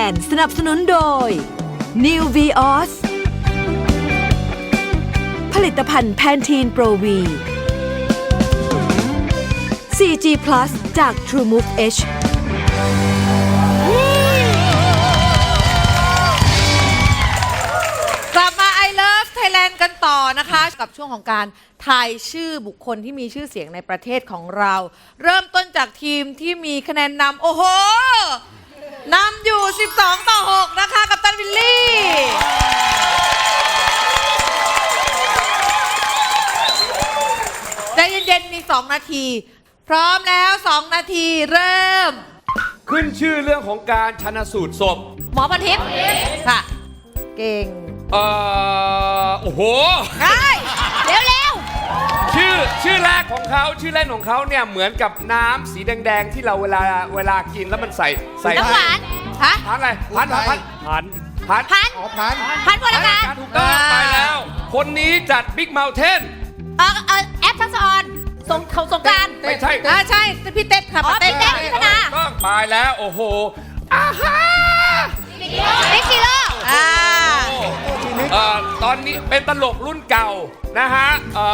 Thailand สนับสนุนโดย New Vios ผลิตภัณฑ์แพนทีนโปรวี 4G Plus จาก TrueMove H กลับมา I Love Thailand กันต่อนะคะกับช่วงของการทายชื่อบุคคลที่มีชื่อเสียงในประเทศของเรา เริ่มต้นจากทีมที่มีคะแนนนำโอ้โหนำอยู่12-6นะคะกัปตันวิลลี่ใจเย็นๆมี2นาทีพร้อมแล้ว2นาทีเริ่มขึ้นชื่อเรื่องของการชันสูตรศพหมอพันทิพย์ค่ะเก่งโอ้โหได้เร็วชื่อแรกของเขาชื่อเล่นของเขาเนี่ยเหมือนกับน้ำสีแดงๆที่เราเวลากินแล้วมันใส่น้ำหวานฮะพันอะไรพันผลไม้ถูกต้องไปแล้วคนนี้จัดบิ๊กเมลเทนแอปทักษรสงกรานต์ไม่ใช่ใช่พี่เต้ค่ะพี่เต้พิธนาต้องไปแล้วโอ้โหบิ๊กซีโร่ตอนนี้เป็นตลกรุ่นเก่านะฮะ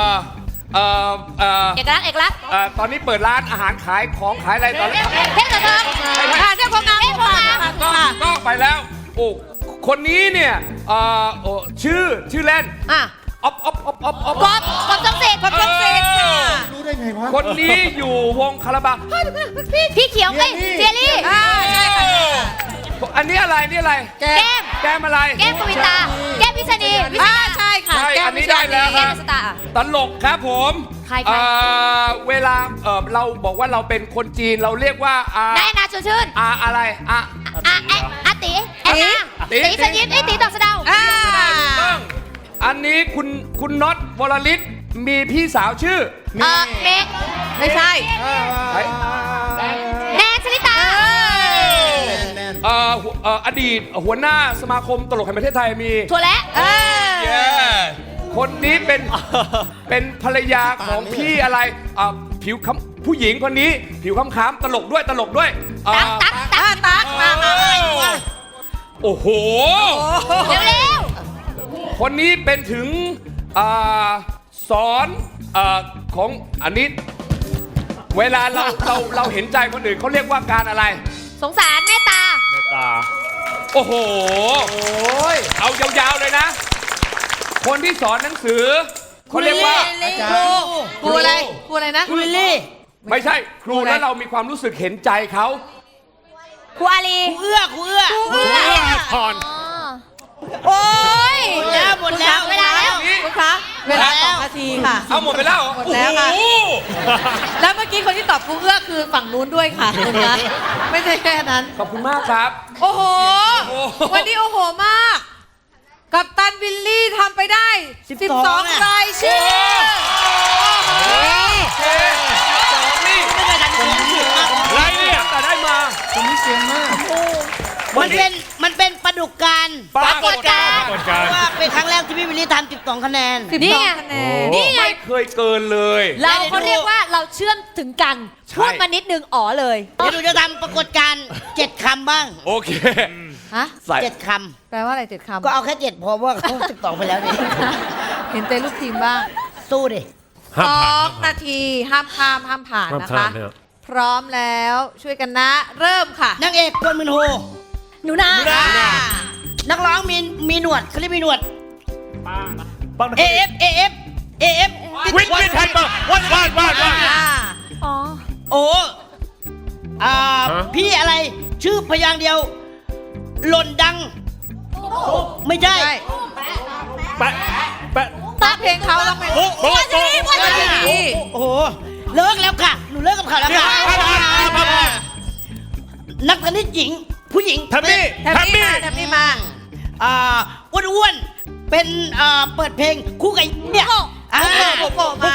เอกลักษณ์ตอนนี้เปิดร้านอาหารขายของขายอะไรตอนนี้เทพกระเทิงเทพโคงงามก็ไปแล้วโอ้คนนี้เนี่ยชื่อเล่นกบจงเสกรู้ได้ไงวะคนนี้อยู่วงคาราบาวพี่เขียวไงเจลี่ใช่ค่ะอันนี้อะไรนี่อะไรแก้มอะไรแก้มกวินตาแก้มพิษณีใช่ค่ะอันนี้ได้แล้วครับตลกครับผมเวลาเราบอกว่าเราเป็นคนจีนเราเรียกว่านายนาชื่นอะไรตีสยิดตีดอกสะเดาอันนี้คุณน็อตวรลิศมีพี่สาวชื่อเมกไม่ใช่แนนชลิตาอดีตหัวหน้าสมาคมตลกแห่งประเทศไทยมีถั่วและคนนี้เป็นภรรยาของพี่อะไรผิวผู้หญิงคนนี้ผิวค้ำๆตลกด้วยตักมาโอ้โหเร็วคนนี้เป็นถึงสอนของอันนี้เวลาเราเห็นใจคนอื่นเขาเรียกว่าการอะไรสงสารเมตตาโอ้โหเอายาวๆเลยนะคนที่สอนหนังสือเขาเรียกว่าครูอะไรนะครูลิลลี่ไม่ใช่ครูแล้วเรามีความรู้สึกเห็นใจเขาครูอาลีครูเอื้อพรโอ้ยหมดแล้วเวลาแล้วคุณคะเวลา2 นาทีค่ะเอาหมดไปแล้วหมดแล้วค่ะแล้วเมื่อกี้คนที่ตอบครูเอื้อคือฝั่งนู้นด้วยค่ะคุณคะไม่ใช่แค่นั้นขอบคุณมากครับโอ้โหวันนี้โอ้โหมากกัปตันวิลลี่ทำไปได้12รายชื่อนี่ไรเนี่ยแต่ได้มาคนนี้เก่งมากมันเป็นปรากฏการณ์ว่าเป็นครั้งแรกที่พี่วิลลี่ทำ12 คะแนนนี่ไงไม่เคยเกินเลยเราเขาเรียกว่าเราเชื่อมถึงกันพูดมานิดนึงเลยเดี๋ยวหนูจะทำปรากฏการณ์7 คำบ้างโอเค 7 คำแปลว่าอะไร7 คำก็เอาแค่7พอว่าเขา12ไปแล้วนี่เห็นใจลูกทีมบ้างสู้ดิ 2 นาทีห้ามข้ามห้ามผ่านนะคะพร้อมแล้วช่วยกันนะเริ่มค่ะนางเอกกวนมืนโฮหนูนานักร้องมีหนวดเขาเรียกมีหนวดAF วินไฮเปอร์วาดโอ้พี่อะไรชื่อพยางเดียวหล่นดังไม่ใช่ตาเพลงเขาต้องเป็นวันนี้โอ้โหเลิกแล้วค่ะหนูเลิกกับเขาแล้วค่ะนักเทนนิสหญิงผู้หญิงแทมมี่มาอ้วนเป็นเปิดเพลงคู่กับเนี่ยโกมา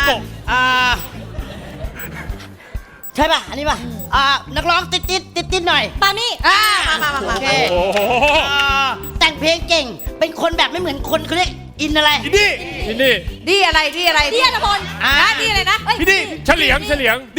ใช่ป่ะอันนี้ป่ะนักร้องติดหน่อยปามี่มาโอเคแต่งเพลงเก่งเป็นคนแบบไม่เหมือนคนเขาเรียกอินอะไรดีอะไรดีอัตพลดีอะไรนะพี่ดีเฉลียง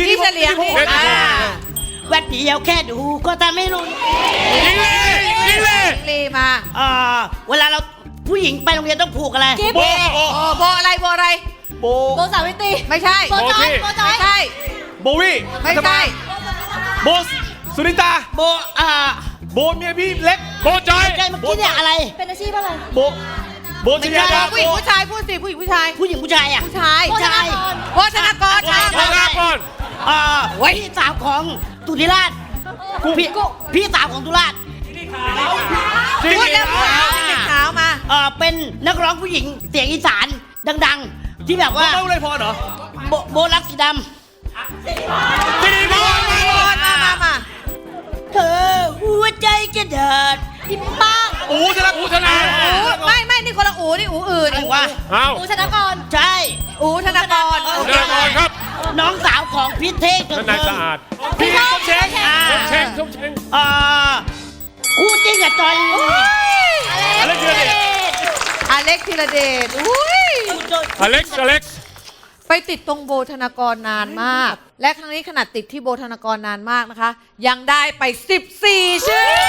แวดเดียวแค่ดูก็ทำไม่รู้ยิงเลยหญิงลีมาเวลาเราผู้หญิงไปโรงเรียนต้องผูกอะไรโบโบอะไรโบอะไรโบโบสาวิตรีไม่ใช่โบจอยโบจอยไม่ใช่โบวี่ไม่ใช่โบสุนิตาโบโบเมียพี่เล็กโบจอยใช่เมื่อกี้เนี่ยอะไรเป็นอาชีพอะไรโบชไม่ยาใช่ดาผู้หญิงผู้ชายพูดสิผู้หญิงผู้ชายผู้หญิงผู้ชายอ่ะผู้ชายโบธนากรโบธนากรใช่โบนาก่อนพี่สาวของตุลิราชพี่สาวของตุลาชพูดแล้วพูดแล้วเด็กขาวมาเป็นนักร้องผู้หญิงเสียงอีสานดังๆ ที่แบบว่าเล่าเลยพอเหรอโบรักสีดที่นี่พี่มาำเธอหัวใจจะเดิดอิมบ้างอูธนาไม่นี่คนละอูนี่อูอื่นอะไรวะอ้าวอูชนากรใช่อูธนากรธนากรครับน้องสาวของพี่เท่งนายสะอาดพี่ส้มเช้งส้มเช้งคู่จริงกับจอยอะไรเชื่อดิอเล็กธีรเดชอุ้ยอเล็กซ์ไปติดตรงโบธนากรนานมาก และครั้งนี้ขนาดติดที่โบธนากรนานมากนะคะ ยังได้ไป 14 ชื่อ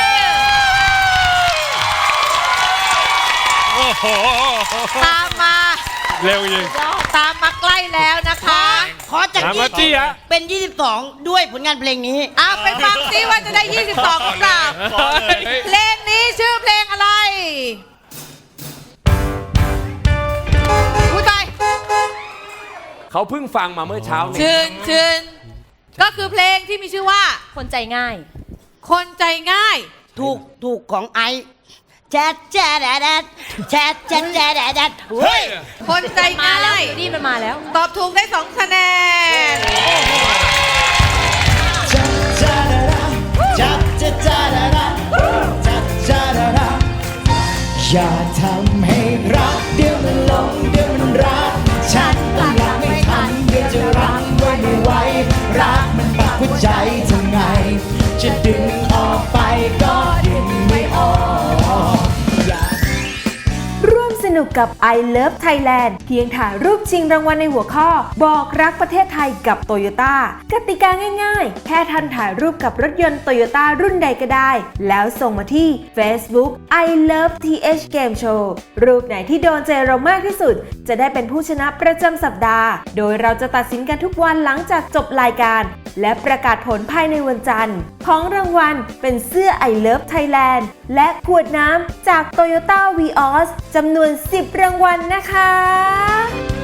โอ้โหตามมาเร็วจริงตามมาใกล้แล้วนะคะขอจากถามว่าจี้ฮะเป็น 22 ด้วยผลงานเพลงนี้ไปฟังซิว่าจะได้ 22หรือเปล่าเพลงนี้ชื่อเพลงอะไรอุ้ยตายเขาเพิ่งฟังมาเมื่อเช้านี้ชื่นก็คือเพลงที่มีชื่อว่าคนใจง่ายคนใจง่ายถูกของไอแจ๊ดแจ๊ดแดดแจ๊ดแจ๊ดแจ๊ดแดดเฮ้ยคนใจมาง่าแล้วยนี่มันมาแล้วตอบถูกได้ 2 คะแนนอย่าทำให้รักเดี๋ยวมันหลงเดี๋ยวมันรักฉันต้องรักไม่ทันเดี๋ยวจะรั้งไว้ไม่ไหวรักมันปักหัวใจทำไงจะดึงออกไปก็ดึงไม่ออกร่วมสนุกกับ I Love Thailand เพียงถ่ายรูปชิงรางวัลในหัวข้อ บอกรักประเทศไทยกับ Toyota กติกาง่ายๆ แค่ท่านถ่ายรูปกับรถยนต์ Toyota รุ่นใดก็ได้ แล้วส่งมาที่ Facebook I Love TH Game Show รูปไหนที่โดนใจเรามากที่สุด จะได้เป็นผู้ชนะประจำสัปดาห์ โดยเราจะตัดสินกันทุกวันหลังจากจบรายการ และประกาศผลภายในวันจันทร์ ของรางวัลเป็นเสื้อ I Love Thailand และขวดน้ำจาก Toyota Vios จำนวน 10 รางวัลนะคะ